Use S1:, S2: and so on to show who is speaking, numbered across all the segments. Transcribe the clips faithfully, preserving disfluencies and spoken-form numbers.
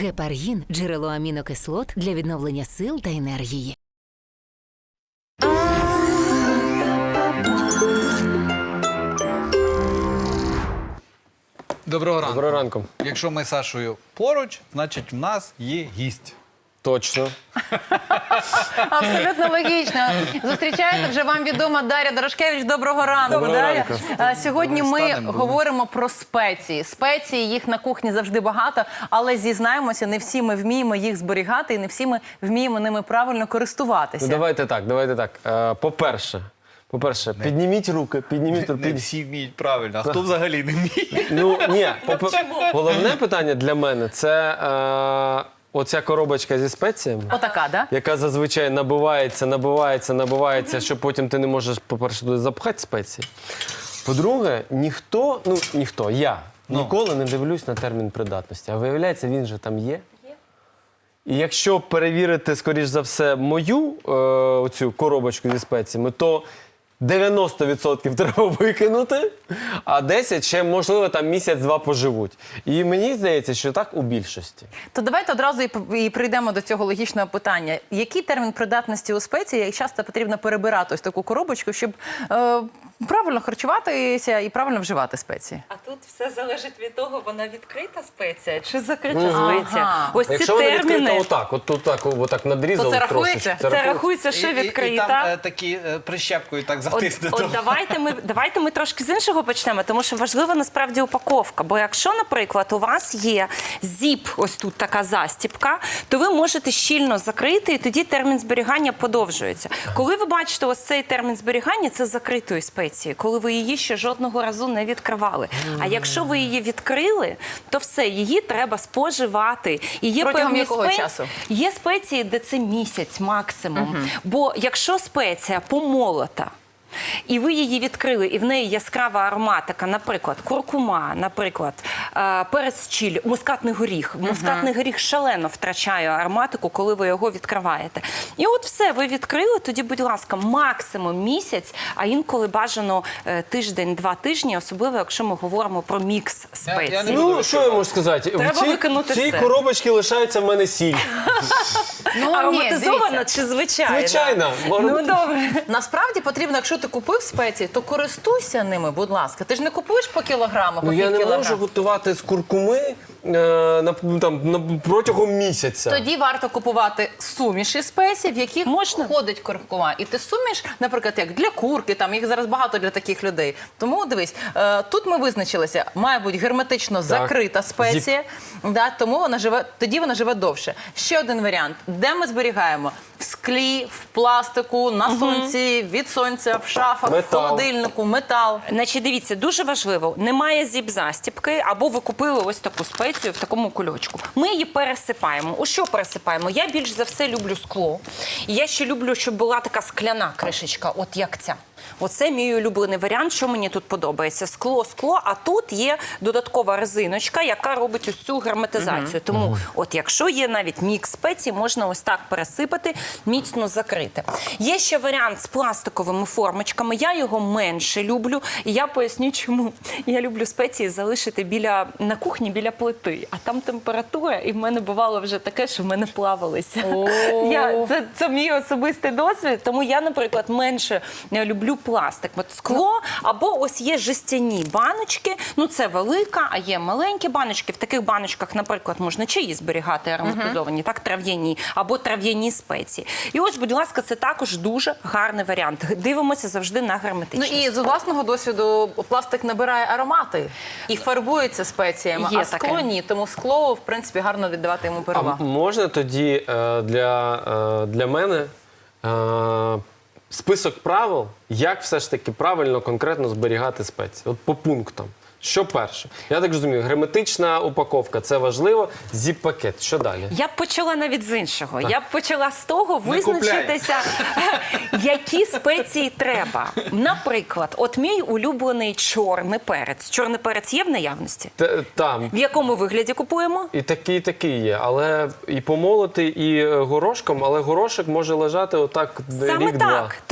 S1: Гепаргін – джерело амінокислот для відновлення сил та енергії.
S2: Доброго ранку.
S3: Доброго ранку.
S2: Якщо ми з Сашою поруч, значить в нас є гість.
S3: Точно.
S4: Абсолютно логічно. Зустрічаєте вже вам відома Дар'я Дорошкевич. Доброго ранку,
S3: Доброго
S4: Дар'я.
S3: ранку.
S4: А, Сьогодні ми
S2: Станемо,
S4: говоримо про спеції. Спеції, їх на кухні завжди багато, але зізнаємося, не всі ми вміємо їх зберігати і не всі ми вміємо ними правильно користуватися.
S3: Ну давайте так, давайте так. Е, По-перше, по-перше, підніміть руки, підніміть руки.
S2: Не всі вміють правильно, а хто взагалі не вміє?
S3: Ну, ні, попе- головне питання для мене – це е, оця коробочка зі спеціями,
S4: Отака, да?
S3: яка зазвичай набивається, набивається, набивається, що потім ти не можеш, по-перше, туди запхати спеції. По-друге, ніхто, ну ніхто, я ніколи не дивлюсь на термін придатності. А виявляється, він же там є. І якщо перевірити, скоріш за все, мою е, оцю коробочку зі спеціями, то дев'яносто відсотків треба викинути, а десять ще, можливо, там місяць-два поживуть. І мені здається, що так у більшості.
S4: То давайте одразу і, п- і прийдемо до цього логічного питання. Який термін придатності у спеції, як часто потрібно перебирати ось таку коробочку, щоб е, правильно харчуватися і правильно вживати спеції?
S5: А тут все залежить від того, вона відкрита спеція чи закрита
S4: Ага.
S5: спеція. Ось ці
S3: Якщо вона відкрита
S5: терміни,
S3: отак, от тут так, отак надрізав
S4: То це
S3: трошечки.
S4: рахується?
S5: це
S3: рахується.
S5: рахується, що
S2: І- і- І
S5: відкрита.
S2: там е, такі е, прищепкою так
S5: От,
S2: затиснуто.
S5: от давайте ми давайте ми трошки з іншого почнемо, тому що важлива насправді упаковка. Бо якщо, наприклад, у вас є зіп, ось тут така застіпка, то ви можете щільно закрити, і тоді термін зберігання подовжується. Коли ви бачите ось цей термін зберігання, це закритої спеції, коли ви її ще жодного разу не відкривали. А якщо ви її відкрили, то все, її треба споживати. І є
S4: Протягом
S5: певні
S4: якого
S5: спеції,
S4: часу?
S5: Є спеції, де це місяць максимум. Бо якщо спеція помолота, і ви її відкрили, і в неї яскрава ароматика, наприклад, куркума, наприклад, е, перець чилі, мускатний горіх. Мускатний горіх шалено втрачає ароматику, коли ви його відкриваєте. І от все, ви відкрили, тоді, будь ласка, максимум місяць, а інколи бажано е, тиждень-два тижні, особливо, якщо ми говоримо про мікс
S2: Я- я
S5: спецій.
S2: не буду
S3: Ну, що я можу сказати?
S5: Треба
S3: в цій,
S5: викинути
S3: в цій
S5: все.
S3: коробочці лишається в мене сіль.
S4: Ну, ні,
S5: Ароматизована
S4: дивіться.
S5: чи звичайна?
S3: Звичайно.
S5: Ну, добре.
S4: Насправді потрібно, якщо ти купив спеції, то користуйся ними, будь ласка. Ти ж не купуєш по кілограму, по
S3: Ну, я
S4: пів
S3: не
S4: кілограма.
S3: можу готувати з куркуми е, на, там, на, протягом місяця.
S4: Тоді варто купувати суміші спецій, в яких
S5: Можна.
S4: входить куркума. І ти суміш, наприклад, як для курки, там їх зараз багато для таких людей. Тому дивись, е, тут ми визначилися, має бути герметично закрита спеція, да, тому вона живе, тоді вона живе довше. Ще один варіант, де ми зберігаємо? В склі, в пластику, на сонці, від сонця, в шафах,
S3: Метал.
S4: в холодильнику, метал.
S5: Значить, дивіться, дуже важливо, немає зіп-застіпки, або ви купили ось таку спецію в такому кульочку. Ми її пересипаємо. У що пересипаємо? Я більш за все люблю скло. І я ще люблю, щоб була така скляна кришечка, от як ця. Оце мій улюблений варіант, що мені тут подобається. Скло, скло, а тут є додаткова резиночка, яка робить ось цю герметизацію. Тому от якщо є навіть мікс спецій, можна ось так пересипати, міцно закрити. Є ще варіант з пластиковими формочками. Я його менше люблю. І я поясню, чому. Я люблю спеції залишити біля, на кухні біля плити. А там температура, і в мене бувало вже таке, що в мене плавалися. Я, це, це мій особистий досвід, тому я, наприклад, менше люблю пластик. От скло, або ось є жестяні баночки, ну це велика, а є маленькі баночки. В таких баночках, наприклад, можна чаї зберігати ароматизовані, так, трав'яні, або трав'яні спеції. І ось, будь ласка, це також дуже гарний варіант. Дивимося завжди на
S4: Ну
S5: герметичність.
S4: і з власного досвіду пластик набирає аромати і фарбується спеціями,
S5: Є
S4: а скло
S5: таке.
S4: ні. Тому скло, в принципі, гарно віддавати йому
S3: А
S4: перевагу.
S3: можна тоді е, для, е, для мене е, список правил, як все ж таки правильно, конкретно зберігати спеції? От по пунктам. Що перше? Я так розумію, герметична упаковка – це важливо. Зіп-пакет. Що далі?
S5: Я б почала навіть з іншого. Я б почала з того
S2: Не
S5: визначитися, які спеції треба. Наприклад, от мій улюблений чорний перець. Чорний перець є в наявності?
S3: Т- Там.
S5: В якому вигляді купуємо?
S3: І такий, і такий є. Але і помолотий, і е, горошком, але горошок може лежати отак
S5: Саме
S3: рік-два.
S5: так. Тому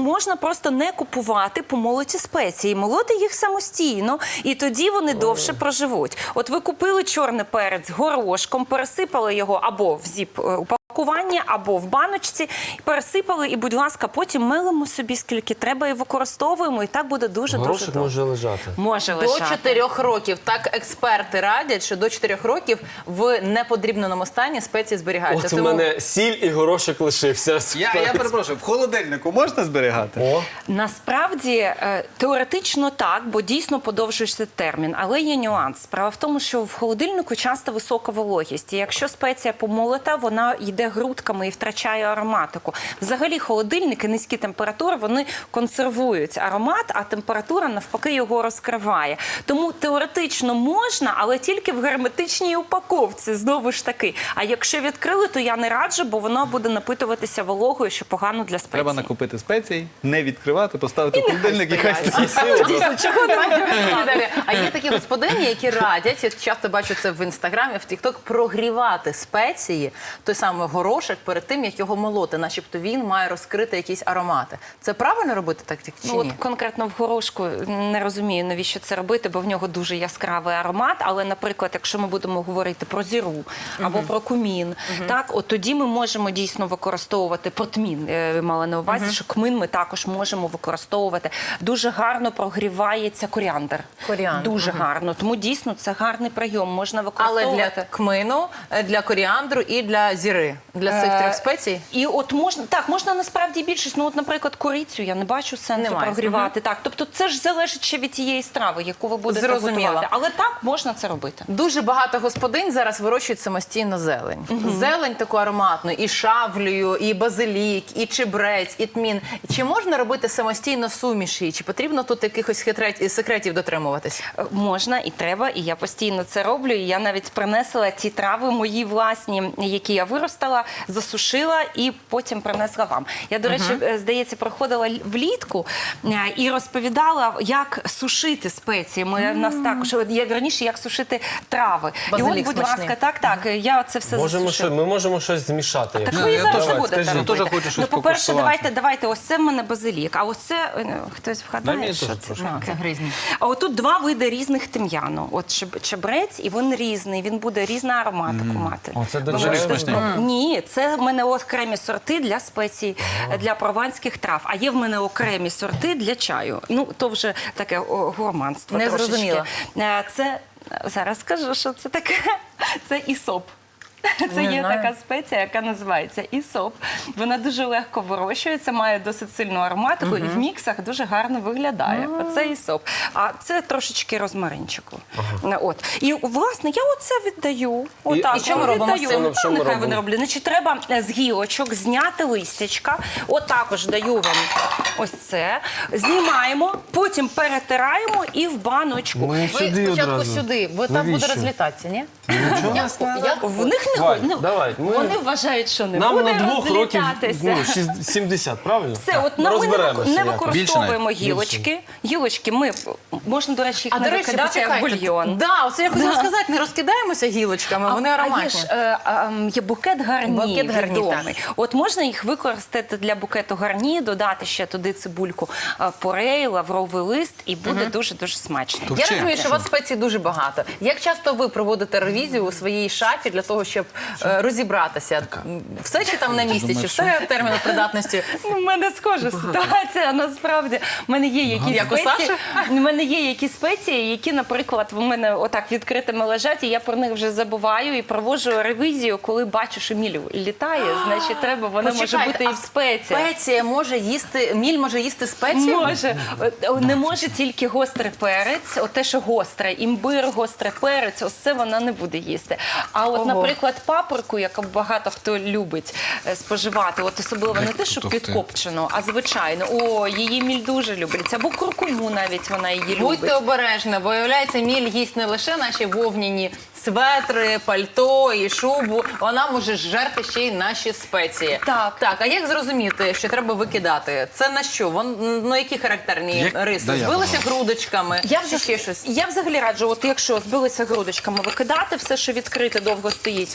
S5: можна просто не купувати помолоті спеції, молоти їх самостійно, і тоді вони довше проживуть. От ви купили чорний перець горошком, пересипали його або в зіп упакування, або в баночці, пересипали, і, будь ласка, потім мелимо собі скільки треба і використовуємо, і так буде дуже-дуже
S3: Горошок
S5: добре.
S3: може лежати.
S5: Може
S4: До
S5: лежати.
S4: чотирьох років. Так експерти радять, що до чотирьох років в неподрібненому стані спеції зберігаються.
S3: От у мене сіль і горошок лишився.
S2: Я, я перепрошую, в холодильнику можна зберігати?
S3: О,
S5: Насправді, е, теоретично так, бо дійсно подовжується термін, але є нюанс. Справа в тому, що в холодильнику часто висока вологість, і якщо спеція помолота, вона йде грудками і втрачає ароматику. Взагалі холодильники, низькі температури, вони консервують аромат, а температура навпаки його розкриває. Тому теоретично можна, але тільки в герметичній упаковці, знову ж таки. А якщо відкрили, то я не раджу, бо воно буде напитуватися вологою, що погано для спеції.
S2: Треба накупити спецій, не відкривати, поставити в холодильник і хай стоїть.
S5: Дійсно, чого не
S4: Далі. А є такі господині, які радять, я часто бачу це в інстаграмі, в Тікток, прогрівати спеції, той самий горошок, перед тим, як його молоти, начебто він має розкрити якісь аромати. Це правильно робити так чи
S5: Ну,
S4: ні?
S5: от конкретно в горошку не розумію, навіщо це робити, бо в нього дуже яскравий аромат. Але, наприклад, якщо ми будемо говорити про зіру або про кумін, так, от тоді ми можемо дійсно використовувати протмін, е, мала на увазі, що кмин ми також можемо використовувати. Дуже гарно прогрівається коріандр.
S4: Коріандр,
S5: Дуже гарно. Тому дійсно це гарний прийом. Можна
S4: Але
S5: використовувати.
S4: для кмину, для коріандру і для зіри, для цих
S5: Е,
S4: трьох спецій.
S5: І от можна, так, можна насправді більшість, ну от, наприклад, корицю я не бачу сенсу
S4: Немає.
S5: прогрівати. Так, тобто це ж залежить ще від тієї страви, яку ви будете
S4: Зрозуміла.
S5: готувати. Але так, можна це робити.
S4: Дуже багато господинь зараз вирощують самостійно зелень. Зелень таку ароматну, і шавлію, і базилік, і чебрець, і тмін. Чи можна робити самостійно суміші? Чи потрібно тут якихось хитрет- секретів дотримуватись?
S5: Е, Можна і треба, і я постійно це роблю. І я навіть принесла ті трави мої власні, які я виростала, засушила і потім принесла вам. Я, до речі, е, здається, проходила л- влітку е, і розповідала, як сушити спеції. Ми в нас також, от я раніше, як сушити трави. і от,
S4: Базилік
S5: будь
S4: смачний.
S5: ласка, так, так, я це все
S3: можемо
S5: засушила.
S3: що, ми можемо щось змішати.
S5: Так
S3: якщо-
S5: ви і
S2: я
S5: зараз
S2: теж-
S5: не будете
S3: скажіть.
S5: робити.
S2: Я теж хочу щось
S5: Ну, по-перше,
S2: покуштувати.
S5: давайте, давайте, ось це в мене базилік, а ось це, е, хтось
S2: Дай
S5: вгадає,
S2: мені
S5: що
S2: теж
S5: це
S2: трошки.
S5: таке?
S4: Це гризні.
S5: А отут два види різних тим'яну. От чеб- чебрець, і він різний, він буде різну ароматику мати.
S3: О, це
S5: Ви
S3: дуже
S5: можете
S2: смачний.
S5: спробувати. Ні, це в мене окремі сорти для спецій, для прованських трав, а є в мене окремі сорти для чаю. Ну, то вже таке о, гурманство
S4: Не
S5: трошечки.
S4: зрозуміла.
S5: Е, Це, зараз скажу, що це таке. Це ісоп. Це
S4: Не
S5: є
S4: знаю.
S5: така спеція, яка називається ісоп. Вона дуже легко вирощується, має досить сильну ароматику і в міксах дуже гарно виглядає. Оце ісоп. А це трошечки розмаринчику. От. І, власне, я оце віддаю. Отак,
S4: і що ми
S5: от
S4: робимо з
S5: віддаю.
S4: цим?
S5: Ну,
S3: Що ми
S5: нехай
S3: робимо?
S5: вони роблять. Значить, треба з гілочок зняти листячка. От також даю вам ось це. Знімаємо, потім перетираємо і в баночку.
S3: Ми
S4: Ви
S3: сюди
S4: спочатку
S3: одразу.
S4: сюди, бо там буде
S3: Навіщо?
S4: розлітатися, ні?
S3: Нічого.
S4: Я- я-
S5: В них не
S3: Давай,
S5: ходить.
S3: давай, ми-
S5: Вони вважають, що не
S3: Нам
S5: буде
S3: на двох років
S5: розлітатися.
S3: ну, шість- сімдесят, правильно?
S5: Все, от на ми не,
S3: Розберемося
S5: не
S3: якось.
S5: використовуємо
S2: Більше
S5: гілочки. Гілочки ми можна, до речі, їх
S4: А,
S5: не
S4: до речі,
S5: викидати як
S4: почекайте.
S5: бульйон.
S4: Да, оце я хотіла сказати, не розкидаємося гілочками, вони
S5: А є
S4: ароматні.
S5: ж е, е, є букет гарні,
S4: Букет гарні,
S5: відомий. От можна їх використати для букету гарні, додати ще туди цибульку е, порей, лавровий лист, і буде дуже-дуже смачно.
S2: То
S4: Я
S2: Вчи.
S4: розумію, що у вас спецій дуже багато. Як часто ви проводите ревізію у своїй шафі для того, щоб е, розібратися? Все чи там на місці, чи
S2: думаєш,
S4: все терміну придатності?
S5: У мене схожа ситуація, насправді. У мене є якісь
S4: Як у
S5: спеції,
S4: Саші?
S5: у мене є якісь спеції, які, наприклад, в мене отак відкритими лежать, і я про них вже забуваю і проводжу ревізію, коли бачу, що міль літає, значить треба, вона може
S4: Почекайте,
S5: бути і
S4: а
S5: в спеції.
S4: Спеція може їсти, міль може їсти спеції?
S5: Може. От, Не може тільки гострий перець, от те, що гостре, імбир, гострий перець, ось це вона не буде їсти. А от,
S4: Ого.
S5: наприклад, паприку, яку багато хто любить е, споживати, от особливо не те, що
S2: Ух ти.
S5: підкопчену, а звичайно, о, її міль дуже любить. Або куркуму навіть вона її
S4: Будьте
S5: любить.
S4: обережні, бо, виявляється, міль їсть не лише наші вовняні светри, пальто і шубу, вона може жерти ще й наші спеції.
S5: Так.
S4: Так, а як зрозуміти, що треба викидати? Це на що? Вон, ну, які характерні
S2: Як-
S4: риси?
S2: Да, я
S4: Збилися грудочками?
S5: Я
S4: чи
S5: взагалі,
S4: ще щось?
S5: я взагалі раджу, от якщо збилися грудочками, викидати все, що відкрите, довго стоїть,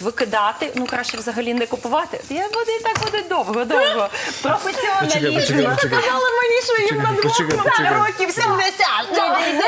S5: викидати. Ну, краще взагалі не купувати. Я буду і так буде довго-довго. Професіоналізм.
S4: Ви сказали мені, що їм на двох років сімдесят.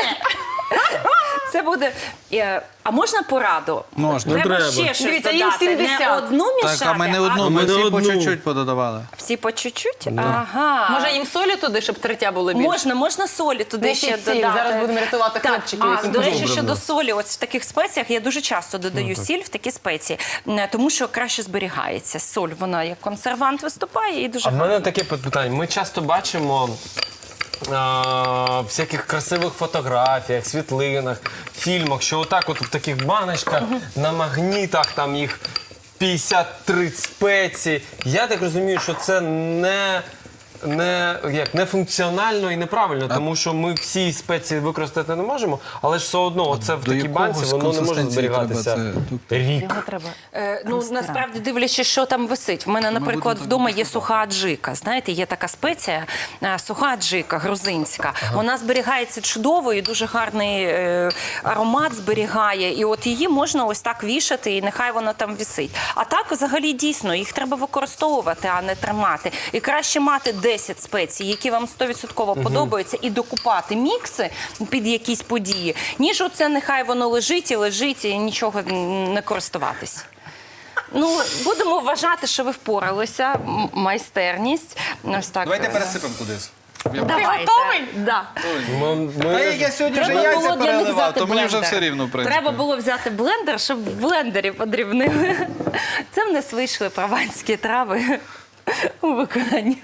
S5: Це буде. е, А можна пораду?
S2: Можна.
S5: Треба,
S3: Ну, треба.
S5: ще щось
S4: Дивіться, їм
S5: додати. Не
S4: сімдесят.
S5: одну мішати,
S2: Так, а ми не одну,
S3: А
S2: ми
S3: ми не
S2: всі по
S3: одну.
S2: чуть-чуть пододавали.
S5: всі по чуть-чуть? Ага.
S4: Може їм солі туди, щоб третя було більше?
S5: Можна, можна солі туди
S4: Несіть
S5: ще
S4: сіль,
S5: додати.
S4: зараз будемо рятувати
S5: Так,
S4: хлопчиків,
S5: а,
S4: яким
S5: до речі,
S3: Добре,
S5: щодо
S3: да.
S5: солі, ось в таких спеціях я дуже часто додаю сіль в такі спеції, м, тому що краще зберігається. Соль, вона як консервант виступає і дуже
S3: А в мене таке питання. Ми часто бачимо а, в всяких красивих фотографіях, світлинах, фільмах, що отак от в таких баночках, на магнітах там їх п'ятдесят три спеції. Я так розумію, що це не... Не, як, не функціонально і неправильно, тому що ми всі спеції використати не можемо, але ж все одно це в
S2: до
S3: такій банці
S2: якогось
S3: воно не може
S2: консистенції
S3: зберігатися
S2: треба це-
S3: рік.
S5: Його треба. Е, ну, насправді, дивлячись, що там висить. В мене, наприклад,
S2: будемо
S5: вдома
S2: так
S5: є суха аджика. Знаєте, є така спеція, е, суха аджика, грузинська. Вона зберігається чудово і дуже гарний е, аромат зберігає. І от її можна ось так вішати, і нехай вона там висить. А так, взагалі, дійсно, їх треба використовувати, а не тримати. І краще мати десять спецій, які вам сто відсотків подобаються, і докупати мікси під якісь події, ніж оце нехай воно лежить і лежить, і нічого не користуватись. Ну, будемо вважати, що ви впоралися. М- Майстерність. Ось так.
S2: Давайте пересипемо кудись.
S5: Давайте.
S4: готовий?
S5: Да.
S3: Ми, ми-
S2: Та як я сьогодні вже
S5: Треба
S2: яйця
S5: було для них
S2: переливав,
S5: взяти
S2: то мені вже
S5: блендер.
S2: все рівно, в принципі.
S5: Треба було взяти блендер, щоб в блендері подрібнили. Це в нас вийшли прованські трави у виконанні.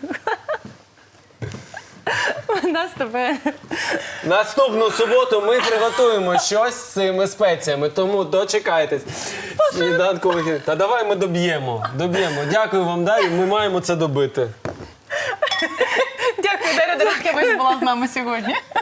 S5: У нас тепер...
S3: Наступну суботу ми приготуємо щось з цими спеціями, тому дочекайтесь. Сніданкових ефірів. Та давай ми доб'ємо. Доб'ємо. Дякую вам, Дар'я. Ми маємо це добити.
S4: Дякую, Дар'я Дорохкевич була з нами сьогодні.